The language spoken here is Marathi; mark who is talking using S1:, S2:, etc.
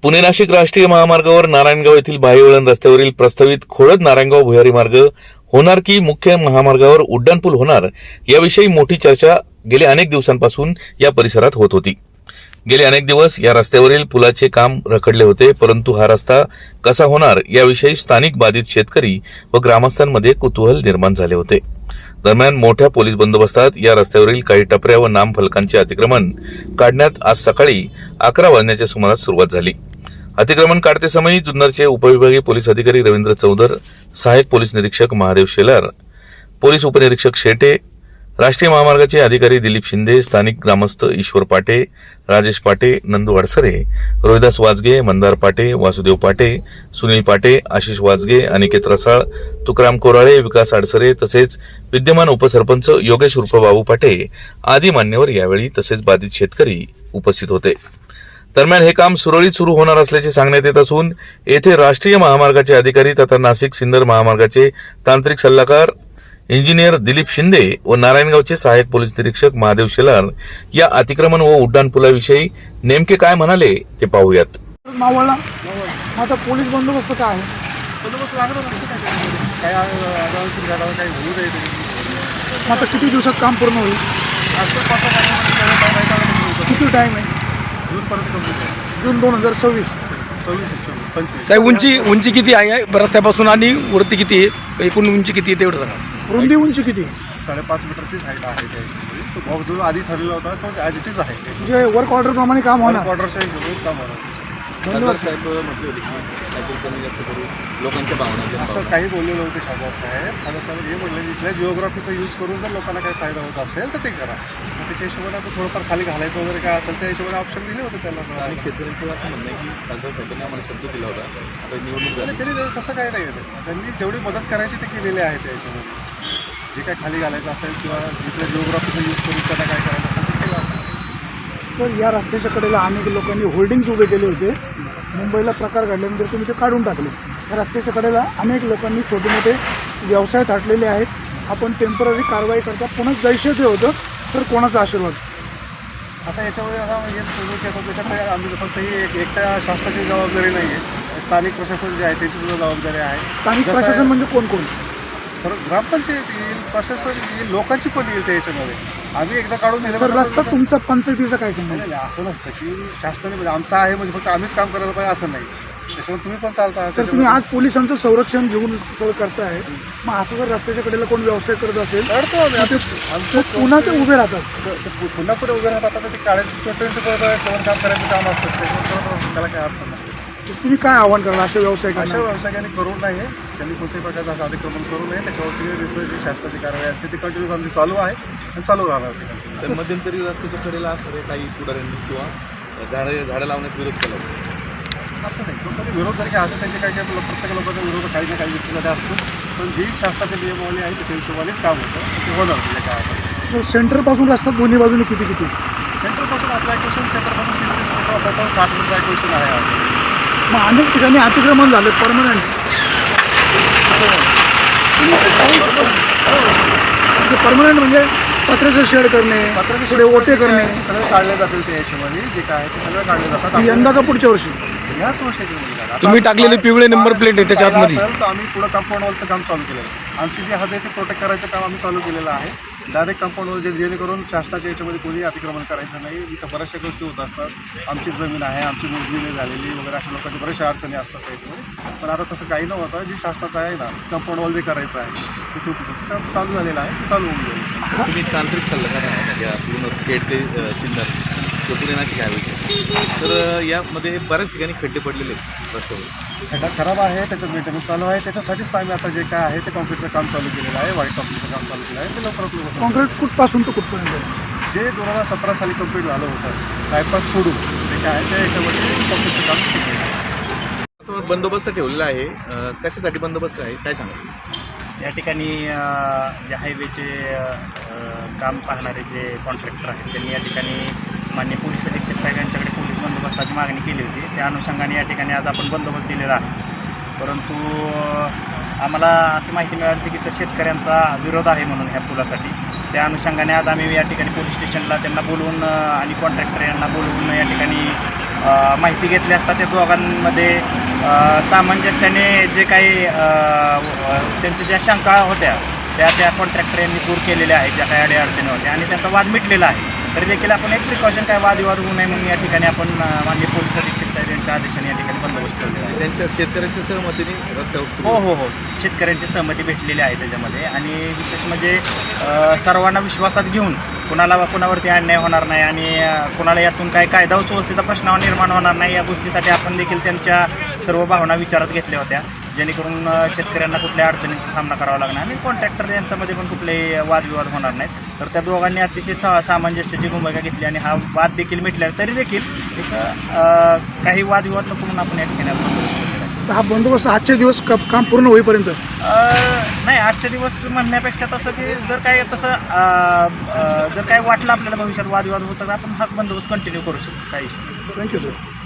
S1: पुणे नाशिक राष्ट्रीय महामार्गावर नारायणगाव येथील भाईवळण रस्त्यावरील प्रस्तावित खोळद नारायणगाव भुयारी मार्ग होणार की मुख्य महामार्गावर उड्डाणपूल होणार याविषयी मोठी चर्चा गेल्या अनेक दिवसांपासून या परिसरात होत होती। गेले अनेक दिवस या रस्त्यावरील पुलाचे काम रखडले होते, परंतु हा रस्ता कसा होणार याविषयी स्थानिक बाधित शेतकरी व ग्रामस्थांमध्ये कुतूहल निर्माण झाले होते। दरम्यान मोठ्या पोलीस बंदोबस्तात या रस्त्यावरील काही टपऱ्या व नामफलकांचे अतिक्रमण काढण्यात आज सकाळी 11 वाजण्याच्या सुमारास सुरुवात झाली। अतिक्रमण काढते समय जुन्नरचे उपविभागीय पोलीस अधिकारी रवींद्र चौधर, सहाय्यक पोलीस निरीक्षक महादेव शेलार, पोलीस उपनिरीक्षक शेटे, राष्ट्रीय महामार्गाचे अधिकारी दिलीप शिंदे, स्थानिक ग्रामस्थ ईश्वर पाटे, राजेश पाटे, नंदू अडसरे, रोहिदास वाजगे, मंदार पाटे, वासुदेव पाटे, सुनील पाटे, आशिष वाजगे, अनिकेत रसाळ, तुकाराम कोराळे, विकास अडसरे तसेच विद्यमान उपसरपंच योगेश उर्फ बाबू पाटे आदी मान्यवर यावेळी तसेच बाधित शेतकरी उपस्थित होते। दरम्यान हे काम सुरळीत सुरू होणार असल्याचे सांगण्यात येत असून येथे राष्ट्रीय महामार्गाचे अधिकारी तथा नाशिक सिन्नर महामार्गाचे तांत्रिक सल्लागार इंजिनियर दिलीप शिंदे व नारायणगावचे सहाय्यक पोलीस निरीक्षक महादेव शेलार या अतिक्रमण व उड्डाणपुलाविषयी नेमके काय म्हणाले ते पाहूयात।
S2: मावळला आता पोलीस बंदोबस्त काय आहे?
S3: बंदोबस्त लागणार काय काही होऊ नये।
S2: आता किती दिवसात काम पूर्ण होईल? किती टाइम आहे?
S3: जूनपर्यंत कंप्लीट आहे।
S2: जून 2026।
S4: साहेब उंची किती आहे रस्त्यापासून आणि वरती किती आहे, एकूण उंची किती आहे तेवढं सांगा।
S2: रुंदी उंची किती?
S3: 5.5 मीटरचीच हाईट आहे त्याच्यामध्ये। तो भाव जो आधी ठरलेला होता तो ॲज इट इज आहे।
S2: म्हणजे वर्क ऑर्डर प्रमाणे काम होणार?
S3: ऑर्डरच्या हिशोबानेच काम होणार।
S2: धन्यवाद
S5: साहेब म्हटले होते की काहीतरी कमी जास्त करू लोकांच्या भावना
S3: असं काही बोललेलं होते खासदार साहेब हे म्हटलं इथल्या जिओग्राफीचा यूज करून जर लोकांना काही फायदा होत असेल तर ते करा। मग त्याच्या हिशोबाने आपण थोडंफार खाली घालायचं वगैरे काय असेल त्या हिशोबाने ऑप्शन दिले होते त्याला।
S5: आणि शेतकऱ्यांचं असं म्हणणं आहे की खासदार साहेबांनी आम्हाला शब्द दिला होता, आता निवडणूक झाली
S3: तरी तसं काही नाही आहे। त्यांनी जेवढी मदत करायची ते केलेली आहे त्या हिशोबाने। जे काय खाली घालायचं असेल किंवा इथल्या जिओग्राफीचा यूज करून त्यांना काय करायचं असेल ते केलं असेल।
S2: सर, या रस्त्याच्या कडेला अनेक लोकांनी होल्डिंग्स उभे केले होते। मुंबईला प्रकार घडल्यानंतर तुम्ही ते काढून टाकले। या रस्त्याच्या कडेला अनेक लोकांनी छोटे मोठे व्यवसाय थाटलेले आहेत। आपण टेम्पररी कारवाई करता, पुन्हा जैसे ते होतं सर, कोणाचा आशीर्वाद?
S3: आता याच्यामध्ये आता हेच बोलू की आता त्याच्यासाठी आम्ही फक्त ही एकट्या शासनाची जबाबदारी नाही आहे, स्थानिक प्रशासन जे आहे त्याची सुद्धा जबाबदारी आहे।
S2: स्थानिक प्रशासन म्हणजे कोण कोण?
S3: सर, ग्रामपंचायत येईल, प्रशासन येईल, लोकांची पण येईल त्या याच्यामध्ये। आम्ही एकदा काढून दिलं
S2: सर, रस्ता तुमचा पंचायतीचा काय संबंध?
S3: नाही, असं नसतं की शासनाने म्हणजे आमचं आहे म्हणजे फक्त आम्हीच काम करायला पाहिजे असं नाही। त्याच्यामुळे तुम्ही पण चालता।
S2: सर, तुम्ही आज पोलिसांचं संरक्षण घेऊन सगळं करताय, मग असं जर रस्त्याच्या कडेला कोण व्यवसाय करत असेल
S3: करतो आम्ही।
S2: तर पुन्हा ते उभे राहतात।
S3: पुन्हा पुढे उभे राहतात आता ते काढायचं 24/7 काम करायचं काम असतं, त्याच्यामुळे त्याला काही अडचण नसते।
S2: तुम्ही काय आव्हान कराल अशा व्यवसाय
S3: अशा व्यावसायिकांनी करू नये, त्यांनी कोणत्याही प्रकारचं असं अतिक्रमण करू नये। त्याच्यावरती जी शासनाची कारवाई असते ती कंटिन्यूस आमची चालू आहे आणि चालू राहणार ती।
S5: तर मध्यंतरी रस्त्याच्या कडेला असणारे काही पुढाऱ्यांनी किंवा झाडं लावण्यास विरोध केला होता।
S3: असं नाही, कोणतरी विरोध जरी काय असेल त्यांचे काही काही प्रत्येक लोकांचा विरोध काही ना काही व्यक्तीमध्ये असतो, पण जी शासनाची नियमावली आहे त्याच्या हिशोबानेच काम होतं, ते होणार म्हणजे काय आता।
S2: सर, सेंटरपासून रस्ता दोन्ही बाजूने किती किती?
S3: सेंटरपासून आपलं ॲक्वेशन सेंटरपासून 30 मीटर आपल्याला 60 मीटर ॲक्वेशन आहे।
S2: मग अनेक ठिकाणी अतिक्रमण झाले परमनंट। परमनंट म्हणजे पत्र्याचं शेड करणे, पुढे ओटे करणे,
S3: सगळे काढले जातील त्या हिशोबाने जे काय आहे ते सगळं काढले जातात।
S2: यंदा का पुढच्या वर्षी?
S3: याच वर्षाची
S4: तुम्ही टाकलेले पिवळे नंबर प्लेट आहे त्याच्या आतमध्ये
S3: तर आम्ही पुढं कंपाऊंड वॉलचं काम चालू केलेलं आहे। आमची जी हद आहे ती प्रोटेक्ट करायचं काम आम्ही चालू केलेलं आहे। डायरेक्ट कंपाऊंड वॉल जेणेकरून शासनाच्या याच्यामध्ये कोणी अतिक्रमण करायचं नाही। इथं बऱ्याचशा गोष्टी होत असतात, आमची जमीन आहे, आमची मोजणी झालेली वगैरे अशा लोकांची बऱ्याचशा अडचणी असतात त्याच्यामध्ये। पण आता तसं काही न होतं, जी शासनाचं आहे ना कंपाऊंड वॉल जे करायचं आहे ते काम चालू झालेलं आहे, ते चालू होऊन जाईल।
S5: तुम्ही तांत्रिक सल्लागार आहात या पूर्ण खेड ते सिन्नर किंवा पुणे नाशिक हायवेचे, तर यामध्ये बऱ्याच ठिकाणी खड्डे पडलेले आहेत रस्त्यावर।
S3: खड्डा खराब आहे, त्याचं मेंटेनन्स चालू आहे। त्याच्यासाठीच आम्ही आता जे काय आहे ते कॉन्क्रीटचं काम चालू केलेलं आहे, व्हाईट कॉन्क्रीटचं काम चालू केलं आहे। ते लवकरात लवकर
S2: कॉन्क्रीट कुठपासून तर कुठपर्यंत?
S3: जे 2017 साली कंप्लीट झालं होतं बायपास सोडून ते काय आहे ते याच्यामध्ये कॉन्क्रीटचं काम केलं आहे।
S5: बंदोबस्त ठेवलेला आहे, कशासाठी बंदोबस्त आहे काय सांगा?
S6: या ठिकाणी जे हायवेचे काम पाहणारे जे कॉन्ट्रॅक्टर आहेत त्यांनी या ठिकाणी माननीय पोलीस अधीक्षक साहेब यांच्याकडे पोलीस बंदोबस्ताची मागणी केली होती। त्या अनुषंगाने या ठिकाणी आज आपण बंदोबस्त दिलेला आहे, परंतु आम्हाला अशी माहिती मिळाली होती की तर शेतकऱ्यांचा विरोध आहे म्हणून ह्या पुलासाठी। त्या अनुषंगाने आज आम्ही या ठिकाणी पोलीस स्टेशनला त्यांना बोलवून आणि कॉन्ट्रॅक्टर यांना बोलवून या ठिकाणी माहिती घेतली असता त्या दोघांमध्ये सामंजस्याने जे काही त्यांच्या ज्या शंका होत्या त्या कॉन्ट्रॅक्टर यांनी दूर केलेल्या आहेत, ज्या काही अडीअडचणी होत्या आणि त्यांचा वाद मिटलेला आहे. तरी देखील आपण एक प्रिकॉशन काय वादविवाद होऊ नये म्हणून या ठिकाणी आपण माननीय पोलीस अधीक्षक साहेब यांच्या आदेशाने या ठिकाणी बंदोबस्त ठेवलेला आहे.
S5: त्यांच्या शेतकऱ्यांच्या सहमतीने रस्त्यावर सुरू
S6: हो, शेतकऱ्यांची सहमती भेटलेली आहे त्याच्यामध्ये. आणि विशेष म्हणजे सर्वांना विश्वासात घेऊन कुणावरती अन्याय होणार नाही आणि कुणाला यातून काय कायदा व सुव्यवस्थेचा प्रश्न निर्माण होणार नाही या गोष्टीसाठी आपण देखील त्यांच्या सर्व भावना विचारात घेतल्या होत्या, जेणेकरून शेतकऱ्यांना कुठल्या अडचणींचा सामना करावा लागणार आणि कॉन्ट्रॅक्टर यांच्यामध्ये पण कुठलेही वादविवाद होणार नाहीत. तर त्या दोघांनी अतिशय सामंजस्याची भूमिका घेतली आणि हा वाद देखील मिटला. तरी देखील एक काही वादविवाद नको म्हणून आपण या ठिकाणी बंदोबस्त केलेला आहे.
S2: तर हा बंदोबस्त आजचे दिवस काम पूर्ण होईपर्यंत
S6: नाही, आजचे दिवस म्हणण्यापेक्षा तसं की जर काय वाटलं आपल्याला भविष्यात वादविवाद होता तर आपण हा बंदोबस्त कंटिन्यू करू शकतो. काही इश्यू नाही.
S2: Thank you sir.